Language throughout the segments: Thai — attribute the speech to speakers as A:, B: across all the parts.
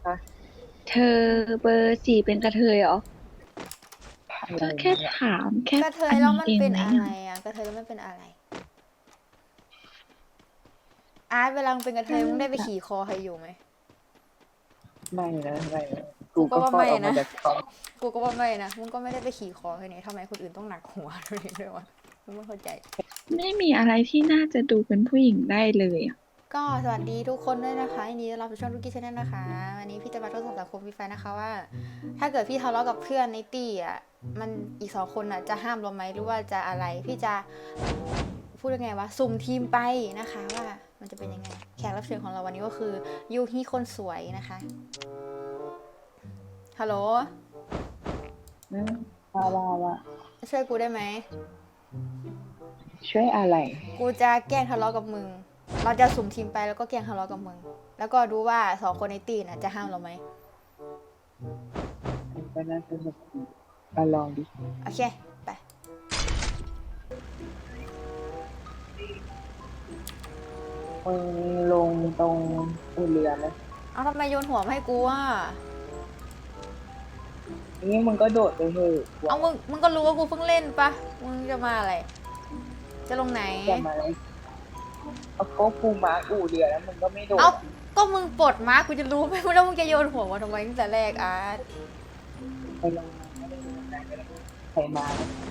A: คะ
B: เธอเบอร์สี่เป็นกระเทยเหรอ
A: อะไร
B: ก็แค่
A: เนี่ย
B: ถามแค่
C: กระเทย
B: อันนี้
C: แล้วมันเป็น
B: เองไหม
C: อะไร
B: อ่ะ
C: อ่ะกระเทยแล้วมันเป็นอะไรอาร์ตเวลามึงเป็นกระเท
B: ก็
C: ยมึงได้ไป
B: แบบ
C: ขี่คอใครอยู่ไหม
A: ไม่นะไม่นะ
C: กูก็
A: กูก็คลอด
C: ว่าไม่นะ
A: ออกมาจากท้อง
C: กูก็ว่าไม่นะมึงก็ไม่ได้ไปขี่คอใครเนี่ยทำไมคนอื่นต้องหนักหัวด้วยวะมึงไม่เข้าใจ
B: ไม่มีอะไรที่น่าจะดูเป็นผู้หญิงได้เลยอ่ะ
C: ก็สวัสดีทุกคนด้วยนะคะยินดีต้อนรับสู่ช่องลูกกี้ชาแนลนะคะวันนี้พี่จะมาทดสอบสังคมพี่แฟนนะคะว่าถ้าเกิดพี่ทะเลาะกับเพื่อนในตี้อ่ะมันอีกสองคนอ่ะจะห้ามเราไหมหรือว่าจะอะไรพี่จะพูดยังไงวะสุ่มทีมไปนะคะว่ามันจะเป็นยังไงแขกรับเชิญของเราวันนี้ก็คือยูฮีคนสวยนะคะฮัลโหล
A: นะว่า
C: ช่วยกูได้ไหม
A: ช่วยอะไร
C: กูจะแกล้งทะเลาะกับมึงเราจะสุ่มทีมไปแล้วก็แกล้งทะเลาะกับมึงแล้วก็ดูว่าสองคนในตี้น่ะจะห้ามเราไหม
A: มันก็น่าสนุกดีลองดิ
C: โอเคไป
A: มึงลงตรงอู่เรือไหม
C: เอาทำไมโยนหัวมาให้กูอ่ะ
A: นี่มึงก็โดดไปเถอะ
C: เอามึงก็รู้ว่ากูเพิ่งเล่นปะมึงจะมาอะไรจะลงไหน
A: จะมาอะไรเอาก็กูมาอู่เรือแล้วมึงก็ไม่โด
C: เอา
A: ด
C: ก็มึงปลดมากูจะรู้ไหมว่ามึงจะโยนหัวมาทำไมตั้งแต่แรกอาร์ต
A: ไปลงมาไม่ได้ลงมาไม่ได้ใครมา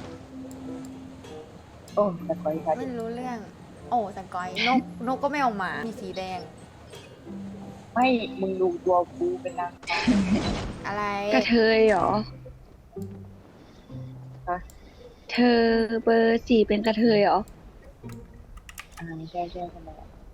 A: โอ้แต่คอยค่ะ
C: ไม่รู้เรื่องโอ้สังกอยนกก็ไม่ออกมามีสีแดง
A: ไม่มึงดูตัวกูเป็นนางฟ้า
C: อะไร
B: กระเทยเหรอ
A: ฮะ
B: เธอเบอร์สี่เป็นกระเทยเหรอ
A: ใช่ทำไม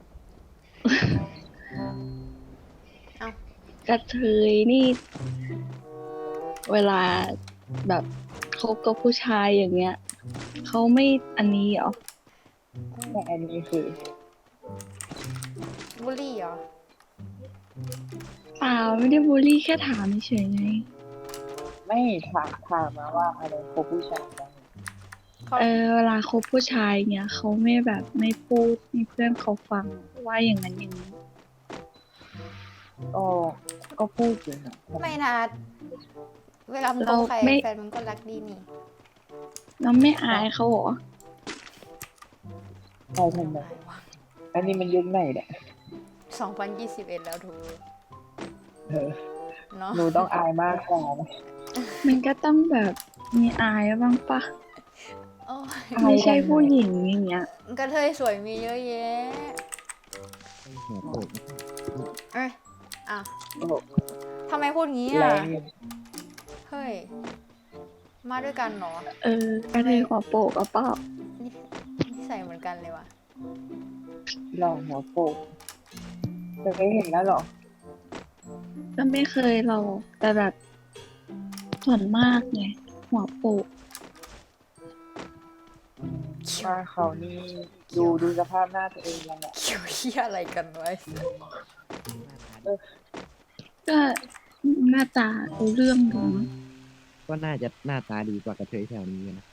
C: เอา
B: กระเทยนี่เวลาแบบคบกับผู้ชายอย่างเงี้ยเขาไม่อันนี้เหรอ
A: แต่อันนี้คือ
C: บุลี่เหรอ
B: เปล่าไม่ได้บูลลี่แค่ถามเฉยๆไง
A: ไม่ถามมาว่าอะไรคบผู้ชายบ้าง
C: เขา
B: เวลาคบผู้ชายเงี้ยเขาไม่แบบไม่พูดให้เพื่อนเขาฟังว่าอย่างนั้นอย่างนี้
A: ก็ก็พูดอยู่นะ
C: ไม่นะเวลามึงค
B: เรา
C: บใคร
B: ไม่
C: แฟนมึงก็รักดีนี่
B: เราไม่อายเขาเหรอ
A: ใครทำไมอันนี้มันยุคไหนเนี่ย
C: 2021แล้วทู
A: เออ
C: เนาะ
A: หนูต้องอายมากกว่านะ
B: มันก็ต้องแบบมีอายบ้างปะ
C: โอ้ย
A: อาย
B: ไม่ใช่
A: ทำไม
B: ผู้หญิงอย่างเงี้ย
C: กระเทยสวยมีเยอะแยะเอ้ยอ่ะ
A: โอ้โห
C: ทำไมพูดงี้
A: แร
C: อ่ะ
A: งอยู่
C: เฮ้ยมาด้วยกันเหรอก
B: กระเทยหัวโปกเอาเปล่า
C: นี่นิสัยเหมือนกันเลยว่ะ
A: หล่อหัวโปกจะไม่เห็นแล้วเหรอ
B: ก็ไม่เคยเราแต่แบบส่วนมากไงหัวโปก
A: มาเขานี่ดูสภาพหน้าตัวเองยังไง
C: เกี่ยวเหี้ยอะไรกันไว้
B: ก็หน้าตารู้เรื่องดูมั้ง
D: ก็น่าจะหน้าตาดีกว่ากระเทยแถวนี้นะ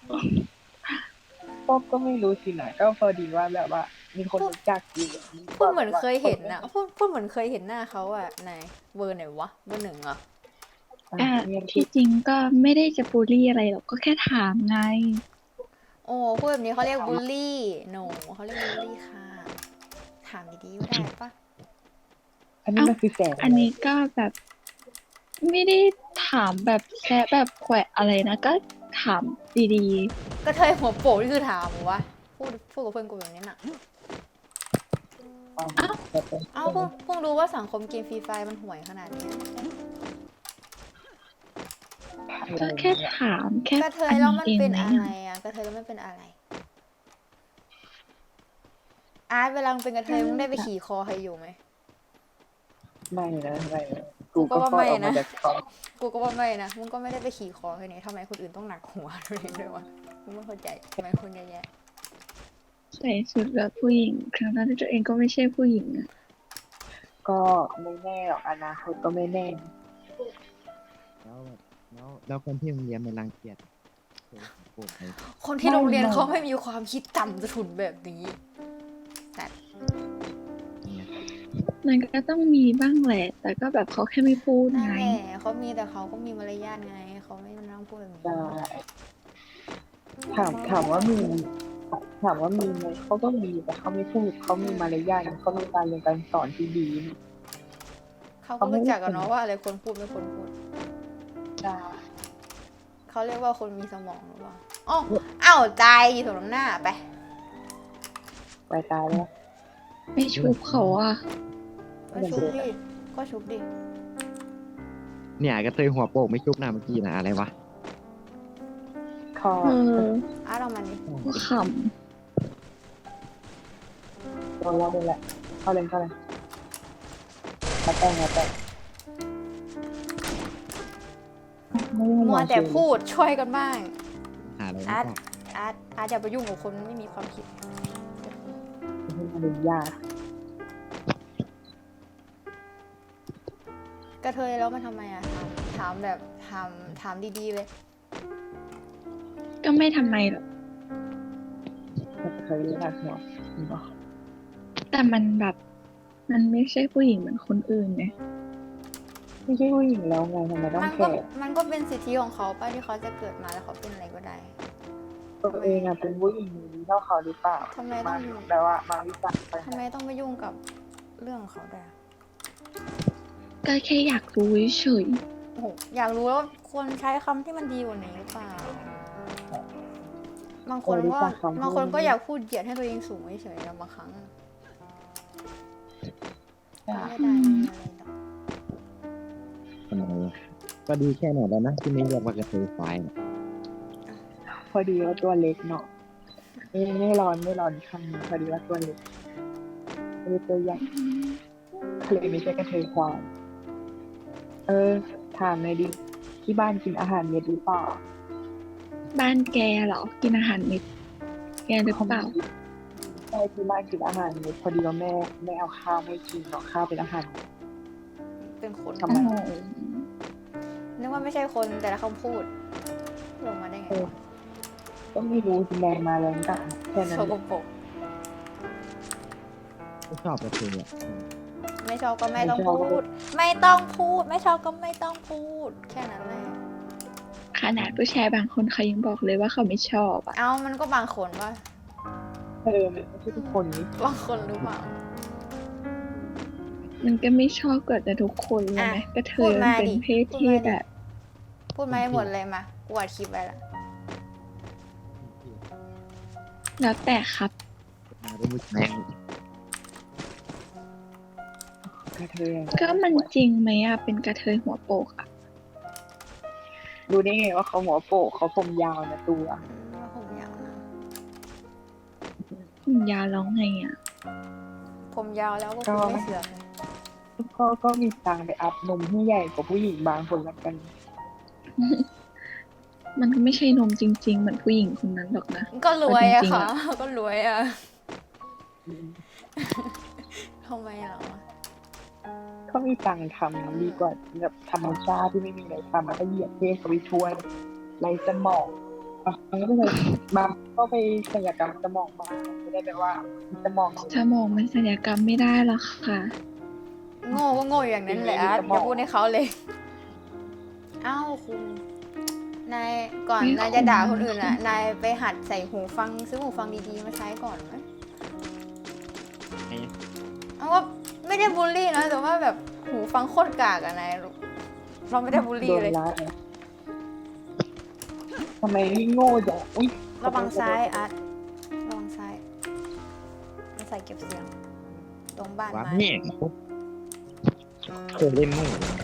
A: ก็ไม่รู้สินะก็พอดีว่าแบบว่า มีคนรู้จักอยู่
C: พูดเหมือนเคยเห็นนะพูดเหมือนเคยเห็นหน้าเขาอ่ะไหนเบอร์ไหนวะเบอร์หนึ่งเหรอ
B: ที่จริงก็ไม่ได้จะบูลลี่อะไรหรอกก็แค่ถามไง
C: โอ้พูดแบบนี้เขาเรียกบูลลี่โนเขาเรียกบูลลี่ค่ะถามดีๆว่าได้ปะ
A: อันนี้มันคือแสง
B: อันนี้ก็แบบไม่ได้ถามแบบแค่แบบแขวะอะไรนะก็ถามดี
C: กระเทยหัวโปกนี่คือถามวะพูดกับเพื่อนกูแบบนี้น่ะ
A: แบบเป็น
C: เอ้าเพิ่งรู้ว่าสังคมเกมฟรีไฟมันห่วยขนาดนี้
B: ๆก็แค่ถามแค่
C: กระเทย
B: อัน
C: แล้ว
B: นี้เอง
C: มันเป็น
B: ไหม
C: อะไรอ่ะกระเทยแล้วมันเป็นอะไรอาร์ตเวลามึงเป็นกระเทยมึงได้ไปขี่คอใครอยู่ไหม
A: ไม่นะ
C: กูก็ว่า
A: คลอดออกมา
C: ไม่นะ
A: จากท้อง
C: กูก็ว่าไม่นะมึงก็ไม่ได้ไปขี่คอใครเนี่ยทำไมคนอื่นต้องหนักหัวด้วยวะมึงไม่เข้าใจทำไมคนเยอะแยะ
B: ใส่ชุดแบบผู้หญิงครั้งนั้นที่ตัวเองก็ไม่ใช่ผู้หญิงอะ
A: ก็ไม่แน่หรอกอนาคตก็ไม่แน่
D: แล้วแบบแล้วคนที่โรงเรียนมันรังเกียจโอ้โหไป
C: คนที่โรงเรียนเขาไม่มีความคิดต่ำจะถุนแบบนี้แต่
D: เนี่ย
B: มันก็ต้องมีบ้างแหละ แต่ก็แบบเขาแค่ไม่พูด
C: นั่น
B: ไง
C: แหละเขามีแต่เขาก็มีมารยาทไงเขาไม่มานั่งพูดแบบนี้
A: ใช่ถามว่ามีถามว่ามีไหมเขาก็มีแต่เขาไม่พูดเขามีมารยาทเขามีการเรียนการสอนที่ดี
C: เขาก็รู้จักกันเนาะว่าอะไรควรพูดไม่ควรพูด
A: ใช่
C: เขาเรียกว่าคนมีสมองหรือเปล่าอ๋ออ้าวใจถูกน้ำหน้าไป
A: ไปตายแล้ว
B: ไม่ชุบเขาอ่ะ
C: ก็ชุบดิก็ชุบดิ
D: เนี่ยกระเทยหัวโปกไม่ชุบหน้าเมื่อกี้นะอะไรวะ
A: คอ
B: เออ
C: อาร์ตเอามันดิ
B: ก็ข
A: โดนแล้วโดนแหละเข้าเลยมาแต่งไม่ได้
C: มัวแต่พูดช่วยกันบ้าง
D: หาอะไร
C: อา
D: ไม่
C: ร์ต
D: บอก
C: อาร์ตอย่าไปยุ่งกับคนไม่มีความคิด
A: ไม่มารยาท
C: กระเทยแล้วมันทำไมอะถามแบบถามดีๆเลย
B: ำก็ไม่ทำไมหรอก
A: เคยเรียกหัว
B: แต่มันแบบ มันไม่ใช่ผู้หญิงเหมือนคนอื่นไง
A: ไม่ใช่ผู้หญิงแล้วไงทำไมต้อง
C: มัน
A: แค
C: ก็
A: ร์
C: มันก็เป็นสิทธิของเขาป้าที่เขาจะเกิดมาแล้วเขาเป็นอะไรก็ได้
A: ตัวเองอะเป็นผู้หญิงดีเท่าเขาหรือเปล่า
C: ทำไมต้อง
A: แปลว่ามาวิจารณ์ไป
C: ทำไมต้องไปยุ่งกับเรื่องของเขาด้วยอะ
B: ก็แค่อยากรู้เฉย
C: โอ้โหอยากรู้ว่าควรใช้คำที่มันดีกว่านี้หรือเปล่า บางคนก็อยากพูดเหยียดให้ตัวเองสูงเฉยๆอะบางครั้งไม่ได้อะไรหรอก
D: ทำไมวะก็ดีแค่ไหนแล้วนะที่ไม่เรียกว่ากระเทยควายเนี่ย
A: พอดีว่าตัวเล็กเนาะไม่ร้อนคำนี้พอดีว่าตัวเล็กไม่ได้ตัวใหญ่เลยไม่ใช่กระเทยควายถามเลยดิที่บ้านกินอาหารเม็ดหรือเปล่า
B: บ้านแกเหรอ กินอาหารเม็ดแกหรือเปล่า
A: ใช่ที่บ้านกินอาหารเม็ดพอดีว่าแม่เอาข้าวไม่กินเนาะข้าวเป็นอาหาร
C: เป็นคน
A: ทำไม
C: นึกว่าไม่ใช่คนแต่ละคำพูดลงมาได้ไงวะ
A: ก็ไม่รู้สิแรงมาแรงกลับแค่นั้น
C: โช
A: แห
C: ก
A: ละ
C: โปรก
D: ไม่ชอบกระเทยอ่ะ
C: ไม่ชอบก็ไม่ต้องพูด ไม่ต้องพูด ไม่ชอบก็ไม่ต้องพูด แค่นั้นแหละ
B: ขนาดผู้ชายบางคนเขายังบอกเลยว่าเขาไม่ชอบอ่ะ
C: เอามันก็บางคนว่า
A: มันไม่ใช่ทุกคนนี่
C: บางคนหรือเปล่า
B: มันก็ไม่ชอบเกิดแต่ทุกคนเลยไหม
C: อ่ะ
B: ก็เธ
C: พู
B: อ
C: ด
B: มัน
C: มา
B: เป็น
C: ดิ
B: เพศ
C: พูด
B: ที่
C: มาดิ
B: แบบ
C: พูดมาให้หมดเลยมากูอัดคลิปไว้ละ
B: แล้วแต่ครับ
D: มาเป็นผู้ชาย
A: กระเทย
B: ก็มันจริงไหมอ่ะ เป็นกระเทยหัวโปกอ่ะ
A: รู้ได้ไงว่าเขาหัวโปกเขาผมยาวนะตัว
C: แล้วผมยาวนะ
B: ผมยาวร้องไงอ่ะ
C: ผมยาวแล้วก็
A: ก็
C: คุณไม่เสือกเลย
A: ก็มีตังค์ไปอัพนมให้ใหญ่กว่าผู้หญิงบางคนละกัน
B: มันก็ไม่ใช่นมจริง ๆ เหมือนผู้หญิงคนนั้นหรอกนะ
C: ก็รวยอะ
B: จริงๆ
C: ค่ะ
B: อะ
C: ก็รวยอะทำไมเหรอ
A: เขามีตังค์ทำดีกว่าแบบธรรมชาติที่ไม่มีอะไรทำแล้วก็เหยียดเพศเขาไปช่วยไรสมองมันก็ไม่เลยบางก็ไปศัลยกรรมสมองมาไม่ได้แปลว่าสมอง
B: สมองมันศัลยกรรมไม่ได้หรอกค่ะ
C: โง่ก็โง่อย่างนั้นแหละอาร์ตอย่าพูดให้เขาเลย เอ้าคุณนายก่อน
B: ไม่
C: นายจะด่า
B: คุ้ม
C: คนอื่นอ่ะ นายไปหัดใส่หูฟังซื้อหูฟังดีๆมาใช้ก่อนไหมเอาว่าไม่ได้บูลลี่นะแต่ว่าแบบหูฟังโคตรกากอะนายเราไม่ได้บูลลี่
A: โดน
C: เลย
A: ละทำไมนี่โง่จังอุ้ย
C: ระวังซ้ายอาร์ตระวังซ้ายมันใส่เก็บเสียง ตรงบ้าน
D: ว่า
C: ไม้
D: แม่งเคยเล่นโง่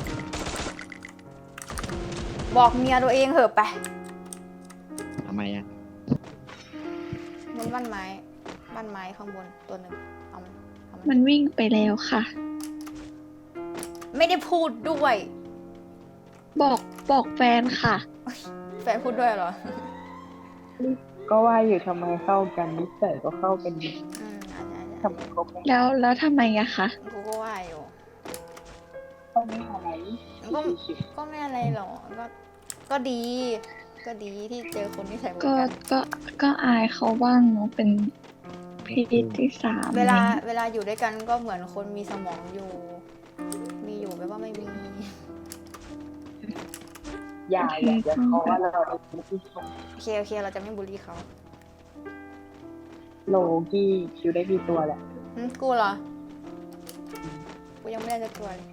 C: บอกเมียตัวเองเหอะไป
D: ทำไมอ่ะ
C: บนบ้านไม้ข้างบนตัวหนึ่งเอามัน
B: มันวิ่งไปแล้วค่ะ
C: ไม่ได้พูดด้วย
B: บอกแฟนค่ะ
C: แฟนพูดด้วยเหรอ
A: ก็ว่าอยู่ทำไมเข้ากันนิสัยก็เข้ากันดี
C: อาจจะ
A: ทำไมคบกัน
B: แล้วทำไมอะคะ
C: กูก็ว่าอยู่
A: ก็ไม่อะไร
C: ก็ก็ไม่อะไรหรอกก็ดี ก็ดีที่เจอคนที่ใส่เหมือน
B: ก็
C: กัน
B: ก็อายเขาบ้างเนาะเป็นเพศที่สาม
C: เวลาอยู่ด้วยกันก็เหมือนคนมีสมองอยู่ มีอยู่ไม่ว่าไม่มี
A: อย่าเพราะว่าเราเป็นที่ชม
C: โอเคเราจะไม่บูลลี่เขา
A: โลกี้คิวได้มีตัวแหละ
C: กูเหรอ กูยังไม่ได้จะตัวเลย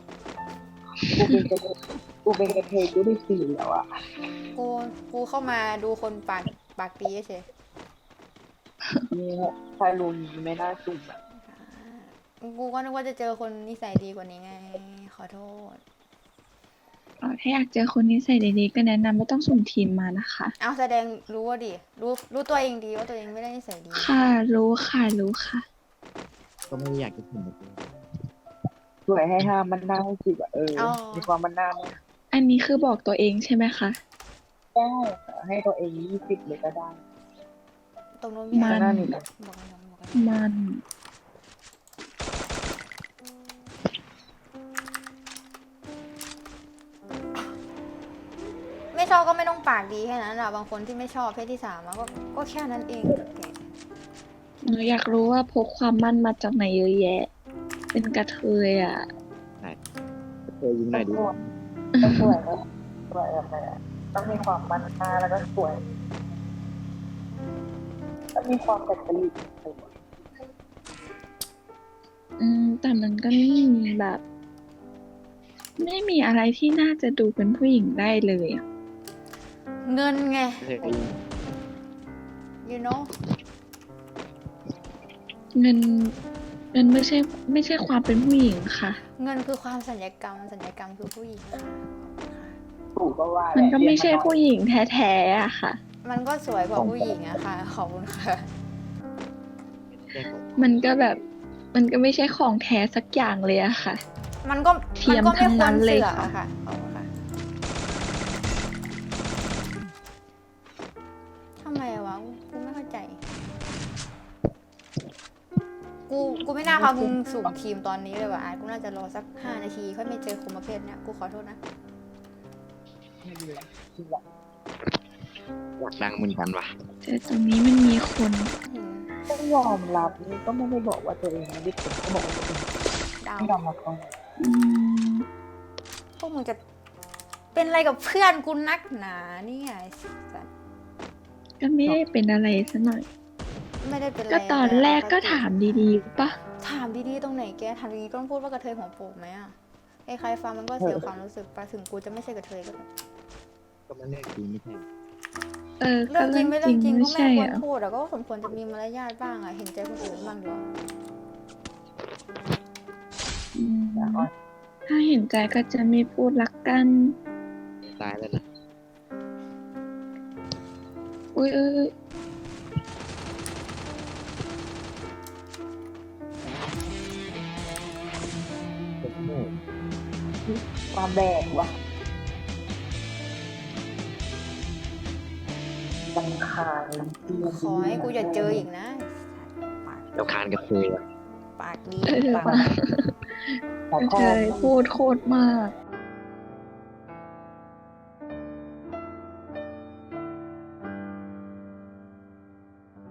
A: กูเป็นกระเทยกูได้สี่แล้วอ่ะ
C: กูเข้ามาดูคนปากดีเฉย
A: นี่ชายลุงไม่น่าสุ่มอ่ะ
C: กูก็นึกว่าจะเจอคนนิสัยดีกว่านี้ไง ขอโทษ
B: ถ้าอยากเจอคนนิสัยดีๆก็แนะนำไม่ต้องส่งทีมมานะคะ
C: เอาแสดงรู้ว่าดิ รู้ตัวเองดีว่าตัวเองไม่ได้นิสัยดี
B: ค่ะรู้ค่ะ
D: ก็ไม่ได้อยากจะถึงเลย
A: สวยให้ห้ามมันหน้าให้สิบอ่ะมีความมันหน้าไหม
B: อันนี้คือบอกตัวเองใช่ไหมคะ
A: ได้ให้ตัวเอง20เลยก็ได้
C: ตรงนู้นมี
B: มั
C: อะไร
B: น
A: หน้านี่นะ
C: บอกกัน
B: มัน
C: ไม่ชอบก็ไม่ต้องปากดีแค่นั้นอะบางคนที่ไม่ชอบเพศที่สามอะก็แค่นั้นเองแก
B: หนูอยากรู้ว่าพกความมั่นมาจากไหนเยอะแยะ เป็นกระเทยอ่ะ
D: เคยยิงหน่อยดิ
A: ต้องสวยนะสวยแบบไหนอะต้องมีความมันหน้าแล้วก็สวยต้องมีความแปลกประหลาด
B: แต่มันก็ไม่มีแบบ ไม่มีอะไรที่น่าจะดูเป็นผู้หญิงได้เลยอะ
C: เงินไง
D: เคยยิง
C: you know
B: เงินไม่ใช่ความเป็นผู้หญิงค่ะ
C: เงินคือความสัญญกรรมคือผู้หญิงค่ะ
A: ถูกก็ว่า
B: มันก็ไม่ใช่ผู้หญิงแท้ๆอะค่ะ
C: มันก็สวยกว่าผู้หญิงอะค่ะ ขอบคุณค่ะ
D: แจ้งของ
B: มันก็แบบ มันก็ไม่ใช่ของแท้สักอย่างเลยอะค่ะ
C: มันก็
B: เทียม
C: ไม่
B: ทั้ง
C: คว
B: นั้
C: ร
B: นเลย
C: เสือก
B: ค่ะ
C: อะค่ะขอบคุณค่ะทำไมวะ กูไม่เข้าใจ กูไม่น่าพามึงสุ่มทีมตอนนี้เลยว่ะอาร์ตกูน่าจะรอสัก5 นาทีค่อยไม่เจอคนประเภทเนี้ย กูขอโทษนะ
D: อยากดังเหมือนกันว่ะ
B: แต่ตรงนี้มันมีคน
A: ต้องยอมรับนี่ก็ไม่ได้บอกว่าตัวเองไม่ได้เป็นก็บอกว่าตัวเอง
C: ดาว
A: ไม่ยอมรับตรงไหน
B: อืม
C: พวกมึงจะเป็นอะไรกับเพื่อนกูนักหนาเนี่ยไอ้สัส
B: ก็ไม่ได้เป็นอะไรซะหน่อย
C: ไม่ได้เป็นอะไร
B: ก็ตอนแรกก็ถามดีๆปะ
C: ถามดีๆตรงไหนแกถามดีๆก็ต้องพูดว่ากระเทยหัวโปกไหมอะใครๆฟังมันก็เสียความรู้สึกไปถึงกูจะไม่ใช่กระเทยก็เถอะ
D: ก็มันเรื่องจริงไม่ใช่
C: เรื่องจริงไม่เรื่องจริงก็ไม่
B: ใช่
C: ควร
B: อะ
C: พูดอะก็สมควรจะมีมารยาทบ้างอะเห็นใจคนอื่นบ้างดีกว่า
B: อืมถ้าเห็นใจก็จะไม่พูดรักกัน
D: ตายแล้วนะ
B: อุ้ย
D: เป็นโง่
A: ความแบกว่ะบังคาย
C: ขอให้กูอย่าเจออีกนะปาก
D: เราคานกับเคยว่ะ
C: ปากดี
B: เออ
C: ปาก
B: ว่ะ
A: แต่
B: เค
A: ข้อย
B: พูดโคตรมาก